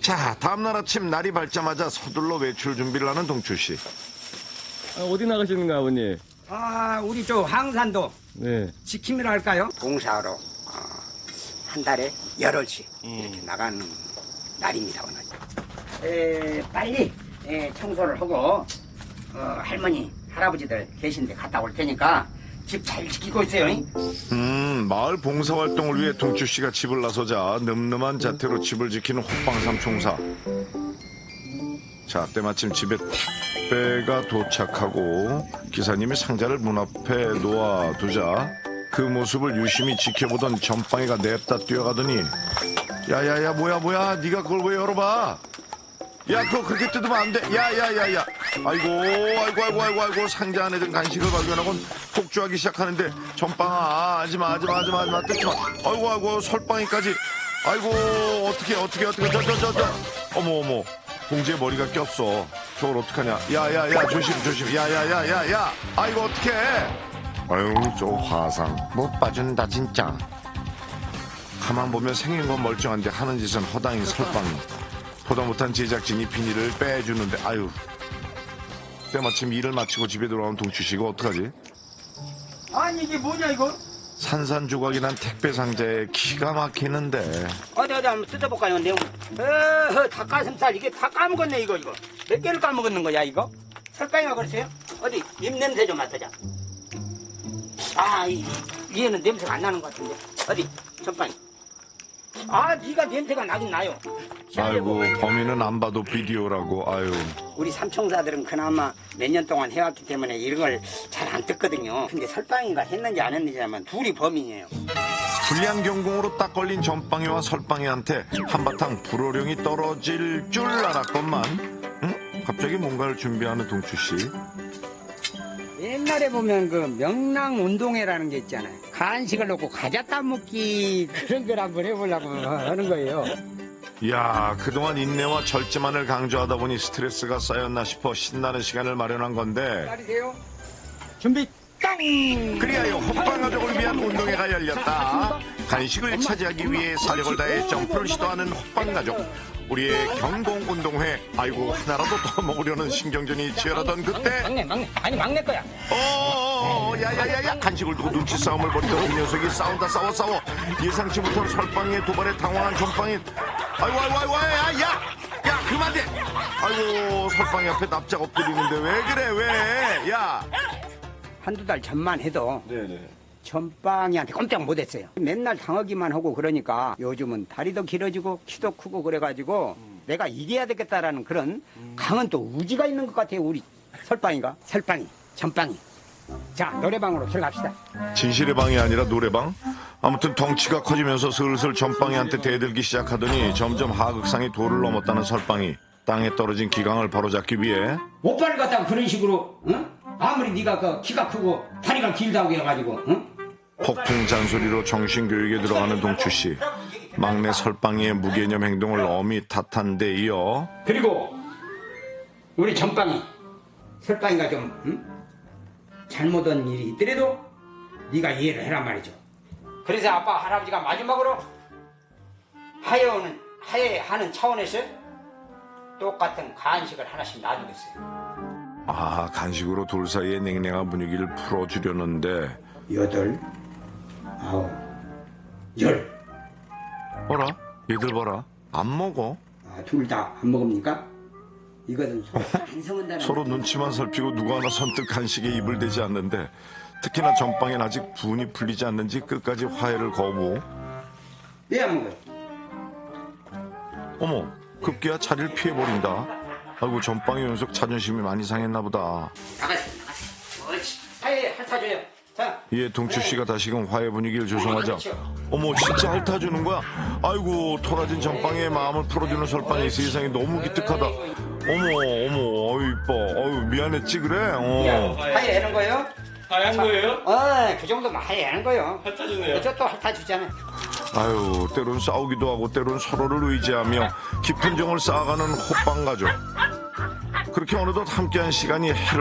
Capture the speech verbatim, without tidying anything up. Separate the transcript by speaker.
Speaker 1: 자, 다음날 아침 날이 밝자마자 서둘러 외출 준비를 하는 동추씨.
Speaker 2: 아, 어디 나가시는가 아버님?
Speaker 3: 아, 우리 저 항산도
Speaker 2: 네.
Speaker 3: 지킴이라 할까요? 봉사하러 어, 한 달에 열흘씩 이렇게 나가는 날입니다, 오늘. 에, 빨리 에, 청소를 하고 어, 할머니, 할아버지들 계신데 갔다 올 테니까 집 잘 지키고 있어요. 잉?
Speaker 1: 음, 마을 봉사활동을 위해 동추씨가 집을 나서자 늠름한 자태로 집을 지키는 호빵삼 총사. 자, 때마침 집에 택배가 도착하고 기사님이 상자를 문 앞에 놓아두자 그 모습을 유심히 지켜보던 전빵이가 냅다 뛰어가더니 야야야 뭐야 뭐야 네가 그걸 왜 열어봐. 야 그거 그렇게 뜯으면 안 돼. 야야야야 아이고 아이고 아이고 아이고 아이고 상자 안에 든 간식을 발견하곤 폭주하기 시작하는데 전빵아 하지마 하지마 하지마 하지마 뜯지마. 아이고 아이고 설빵이까지. 아이고 어떻게 어떻게 어떻게 저 저 저 저 어머 어머 봉지에 머리가 꼈어. 저걸 어떡하냐. 야야야 조심 조심. 야야야야야 아이고 어떡해. 아유 저 화상 못 봐준다 진짜. 가만 보면 생긴 건 멀쩡한데 하는 짓은 허당인 설빵이. 보다 못한 제작진이 비닐을 빼주는데 아유. 때마침 일을 마치고 집에 돌아온 동추씨가 어떡하지.
Speaker 3: 아니 이게 뭐냐 이거?
Speaker 1: 산산조각이 난 택배 상자에 기가 막히는데.
Speaker 3: 어디 어디 한번 뜯어볼까요 내용? 어, 닭가슴살 이게 다 까먹었네 이거 이거. 몇 개를 까먹었는 거야 이거? 설탕이가 그러세요? 어디 입 냄새 좀 맡아자. 아, 이, 위에는 냄새가 안 나는 것 같은데. 어디 전빵이. 아, 네가 냄새가 나긴 나요.
Speaker 1: 아이고 범인은 안 봐도 비디오라고. 아유.
Speaker 3: 우리 삼총사들은 그나마 몇 년 동안 해왔기 때문에 이런 걸 잘 안 뜯거든요. 근데 설빵인가 했는지 안 했는지 하면 둘이 범인이에요.
Speaker 1: 불량 경공으로 딱 걸린 전빵이와 설빵이한테 한바탕 불호령이 떨어질 줄 알았건만 응? 갑자기 뭔가를 준비하는 동추씨.
Speaker 3: 옛날에 보면 그 명랑운동회라는 게 있잖아요. 간식을 넣고 과자 따먹기 그런 걸 한번 해보려고 하는 거예요.
Speaker 1: 이야 그동안 인내와 절제만을 강조하다 보니 스트레스가 쌓였나 싶어 신나는 시간을 마련한 건데
Speaker 3: 기다리세요. 준비 땅!
Speaker 1: 그리하여 호빵 가족을 위한 운동회가 열렸다. 간식을 차지하기 위해 사력을 다해 점프를 시도하는 호빵 가족. 우리의 경공운동회. 아이고 하나라도 더 먹으려는 신경전이 치열하던 그때
Speaker 3: 막내 막내 아니 막내 거야.
Speaker 1: 어어어 야야야야 간식을 두고 눈치 싸움을 벌이던 그 녀석이 싸운다 싸워 싸워 예상치 못한 설빵이의 도발에 당황한 전빵이 아이고 아이고 아이고 야야 야 그만 돼. 아이고 설빵이 앞에 납작 엎드리는데 왜 그래 왜 야.
Speaker 3: 한두 달 전만 해도
Speaker 2: 네네.
Speaker 3: 전빵이한테 꼼짝 못했어요. 맨날 당하기만 하고 그러니까 요즘은 다리도 길어지고 키도 크고 그래가지고 음. 내가 이겨야 되겠다라는 그런 음. 강한 또 우지가 있는 것 같아요. 우리 설빵이가. 설빵이, 전빵이. 자 노래방으로 들어갑시다.
Speaker 1: 진실의 방이 아니라 노래방? 아무튼 덩치가 커지면서 슬슬 전빵이한테 대들기 시작하더니 점점 하극상이 도를 넘었다는 설빵이 땅에 떨어진 기강을 바로잡기 위해
Speaker 3: 오빠를 갖다가 그런 식으로 응? 아무리 네가 그 키가 크고 다리가 길다고 해가지고 응?
Speaker 1: 폭풍 잔소리로 정신교육에 들어가는 동추씨. 막내 설빵이의 무개념 행동을 엄히 탓한 데 이어
Speaker 3: 그리고 우리 전빵이 설빵이가 좀 응? 잘못한 일이 있더라도 네가 이해를 해란 말이죠. 그래서 아빠 할아버지가 마지막으로 하여는 하해하는 차원에서 똑같은 간식을 하나씩 놔두겠어요.
Speaker 1: 아 간식으로 돌 사이의 냉랭한 분위기를 풀어주려는데
Speaker 3: 여덟, 아홉, 열.
Speaker 1: 어라? 얘들 봐라 안 먹어.
Speaker 3: 아, 둘 다 안 먹습니까? 이것은 서로 반성한다는
Speaker 1: 서로 눈치만 살피고 누구 하나 선뜻 간식에 입을 대지 않는데 특히나 전빵엔 아직 분이 풀리지 않는지 끝까지 화해를 거부.
Speaker 3: 왜 안 먹어요?
Speaker 1: 어머 급기야 자리를 피해버린다. 아이고 전빵이 연속 자존심이 많이 상했나 보다.
Speaker 3: 나가세요 나가세요. 옳지. 하해 핥아줘요. 자.
Speaker 1: 이에 동추씨가 다시금 화해 분위기를 조성하자
Speaker 3: 그렇죠.
Speaker 1: 어머 진짜 핥아주는 거야? 아이고 토라진 전빵의 마음을 풀어주는 설빵이 세상이 너무 기특하다. 어머 어머 어이 이뻐 어유 미안했지 그래. 어.
Speaker 3: 하해하는 거예요?
Speaker 2: 하얀 거예요?
Speaker 3: 어, 그 정도면 하해하는 거예요.
Speaker 2: 핥아주네요.
Speaker 3: 저또 핥아주잖아요.
Speaker 1: 아유 때론 싸우기도 하고 때론 서로를 의지하며 깊은 정을 쌓아가는 호빵 가족. 그렇게 어느덧 함께한 시간이 해를